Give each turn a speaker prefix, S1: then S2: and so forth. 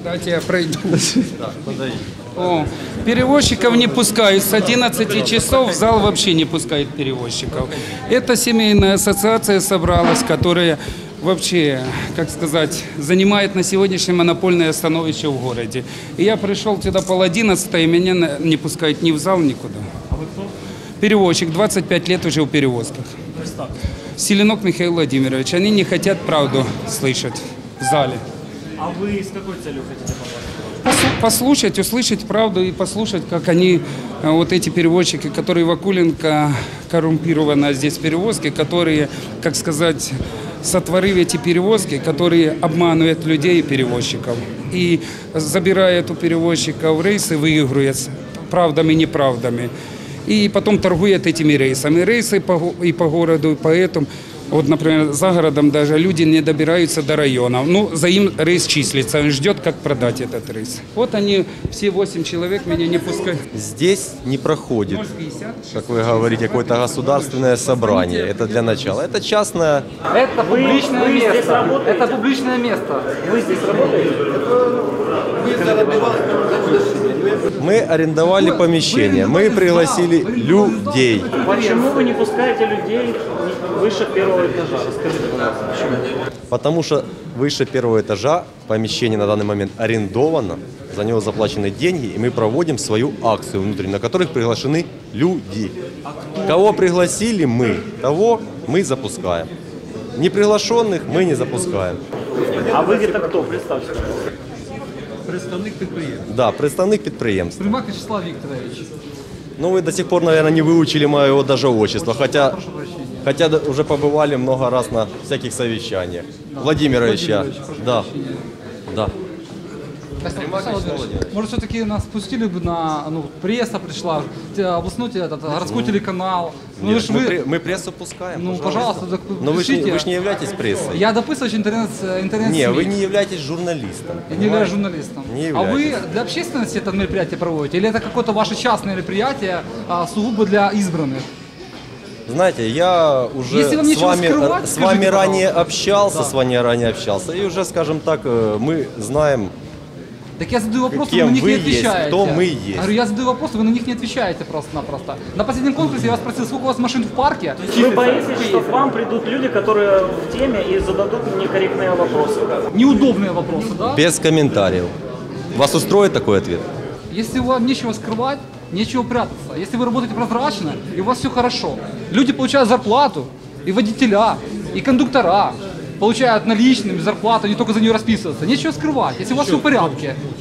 S1: Дайте я пройду. О, перевозчиков не пускают. С 11 часов в зал вообще не пускают перевозчиков. Это семейная ассоциация собралась, которая вообще, как сказать, занимает на сегодняшний монопольное становище в городе. И я пришел туда пол 11, и меня не пускают ни в зал, никуда.
S2: А вы кто?
S1: Перевозчик, 25 лет уже в перевозках. Селенок Михаил Владимирович. Они не хотят правду слышать в зале.
S2: А вы с какой целью хотите попасть?
S1: Послушать, услышать правду и послушать, как они, вот эти перевозчики, которые Вакуленко коррумпированы здесь перевозки, которые, как сказать, сотворили эти перевозки, которые обманывают людей и перевозчиков. И забирают у перевозчиков рейсы, выигрывают правдами и неправдами. И потом торгуют этими рейсами. Рейсы и по городу, и поэтому, вот, например, за городом даже люди не добираются до районов. Ну, за им рейс числится, он ждет, как продать этот рейс. Вот они, все 8 человек, меня не пускают.
S3: Здесь не проходит, как вы говорите, какое-то государственное собрание. Это для начала. Это частное.
S4: Это публичное
S2: вы
S4: место.
S2: Здесь работаете?
S4: Это публичное место.
S2: Вы здесь работаете?
S3: Мы арендовали помещение, мы пригласили людей.
S2: Почему вы не пускаете людей выше первого этажа? Расскажите, пожалуйста, почему?
S3: Потому что выше первого этажа помещение на данный момент арендовано, за него заплачены деньги, и мы проводим свою акцию внутреннюю, на которых приглашены люди. Кого пригласили мы, того мы запускаем. Неприглашенных мы не запускаем.
S2: А вы где-то кто? Представьте.
S5: Представник підприємства.
S3: Да, представник підприємства.
S4: Примак Вячеслав Викторович.
S3: Ну, вы до сих пор, наверное, не выучили моего даже отчества, хотя уже побывали много раз на всяких совещаниях. Владимирович, я. Да. Да.
S4: Может, все-таки нас пустили бы на, ну, пресса пришла, областной городской телеканал. Ну,
S3: Нет,
S4: ж вы,
S3: мы прессу пускаем.
S4: ну, пожалуйста, так
S3: Но вы
S4: пишите.
S3: ж не являетесь прессой.
S4: Я дописываю интернет
S3: Не, вы не являетесь журналистом.
S4: Я не являюсь журналистом.
S3: Не
S4: А вы
S3: являетесь.
S4: для общественности это мероприятие проводите? Или это какое-то ваше частное мероприятие, сугубо для избранных?
S3: Знаете, я уже
S4: Если вам нечего скрывать,
S3: с вами
S4: скажите,
S3: ранее
S4: пожалуйста.
S3: общался, и уже, скажем так, мы знаем.
S4: Так я задаю вопросы,
S3: Кем
S4: вы на них
S3: вы
S4: не
S3: есть,
S4: отвечаете.
S3: кто мы есть.
S4: Я говорю, я задаю вопросы, вы на них не отвечаете просто-напросто. На последнем конкурсе я вас спросил, сколько у вас машин в парке?
S2: Вы боитесь, что к вам придут люди, которые в теме и зададут некорректные вопросы?
S4: Неудобные вопросы, да?
S3: Без комментариев. Вас устроит такой ответ?
S4: Если вам нечего скрывать, нечего прятаться. Если вы работаете прозрачно, и у вас все хорошо. Люди получают зарплату, и водителя, и кондуктора получают наличными зарплату, не только за нее расписываться. Нечего скрывать, если у вас все в порядке.